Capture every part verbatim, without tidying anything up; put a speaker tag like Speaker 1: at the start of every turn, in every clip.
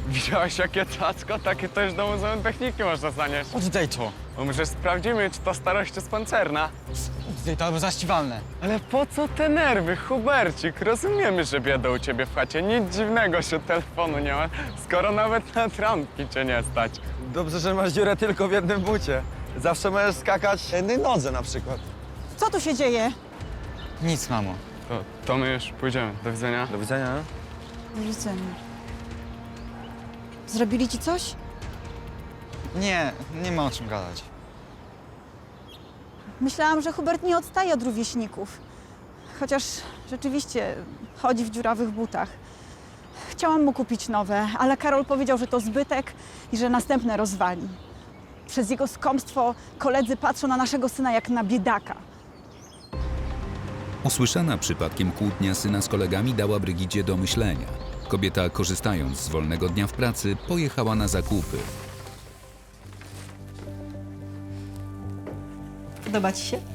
Speaker 1: Widziałeś, jakie cacko? Takie też do Muzeum Techniki można zanieść.
Speaker 2: Oddaj to.
Speaker 1: Bo może sprawdzimy, czy to starość jest pancerna.
Speaker 2: Oddaj to, albo zaściwalne.
Speaker 1: Ale po co te nerwy, Hubercik? Rozumiemy, że bieda u ciebie w chacie. Nic dziwnego, że telefonu nie ma, skoro nawet na trampki cię nie stać.
Speaker 3: Dobrze, że masz dziurę tylko w jednym bucie. Zawsze możesz skakać na jednej nodze na przykład.
Speaker 4: Co tu się dzieje?
Speaker 2: Nic, mamo.
Speaker 1: To, to my już pójdziemy. Do widzenia.
Speaker 3: Do widzenia.
Speaker 4: Do widzenia. Zrobili ci coś?
Speaker 2: Nie, nie ma o czym gadać.
Speaker 4: Myślałam, że Hubert nie odstaje od rówieśników. Chociaż rzeczywiście chodzi w dziurawych butach. Chciałam mu kupić nowe, ale Karol powiedział, że to zbytek i że następne rozwali. Przez jego skąpstwo koledzy patrzą na naszego syna jak na biedaka.
Speaker 5: Usłyszana przypadkiem kłótnia syna z kolegami dała Brygidzie do myślenia. Kobieta, korzystając z wolnego dnia w pracy, pojechała na zakupy.
Speaker 6: Podoba ci się?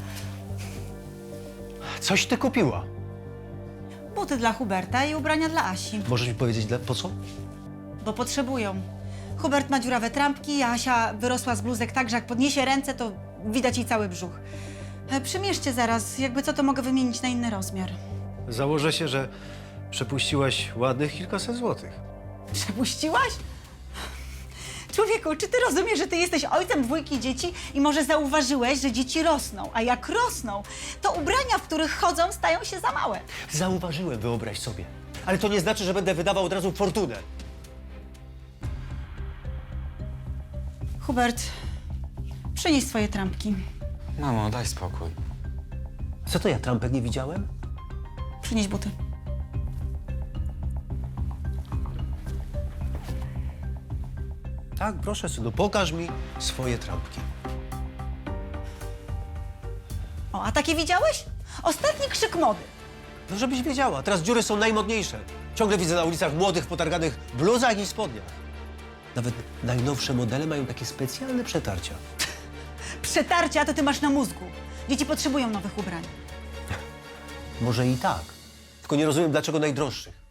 Speaker 7: Coś ty kupiła.
Speaker 6: Buty dla Huberta i ubrania dla Asi,
Speaker 7: Możesz mi powiedzieć, dla, po co?
Speaker 6: bo potrzebują. Hubert ma dziurawe trampki, a Asia wyrosła z bluzek tak, że jak podniesie ręce, to widać jej cały brzuch. E, Przymierzcie zaraz, jakby co, to mogę wymienić na inny rozmiar.
Speaker 7: Założę się, że przepuściłaś ładnych kilkaset złotych.
Speaker 6: Przepuściłaś? Człowieku, czy ty rozumiesz, że ty jesteś ojcem dwójki dzieci i może zauważyłeś, że dzieci rosną, a jak rosną, to ubrania, w których chodzą, stają się za małe.
Speaker 7: Zauważyłem, wyobraź sobie. Ale to nie znaczy, że będę wydawał od razu fortunę.
Speaker 6: Hubert, przynieś swoje trampki.
Speaker 2: Mamo, daj spokój.
Speaker 7: Co to ja, trampek nie widziałem?
Speaker 6: Przynieś buty.
Speaker 7: Tak, proszę, synu, pokaż mi swoje trampki.
Speaker 6: O, a takie widziałeś? Ostatni krzyk mody.
Speaker 7: No, żebyś wiedziała, teraz dziury są najmodniejsze. Ciągle widzę na ulicach młodych, potarganych bluzach i spodniach. Nawet najnowsze modele mają takie specjalne przetarcia.
Speaker 6: Przetarcia to ty masz na mózgu. Dzieci potrzebują nowych ubrań.
Speaker 7: Może i tak, tylko nie rozumiem, dlaczego najdroższych.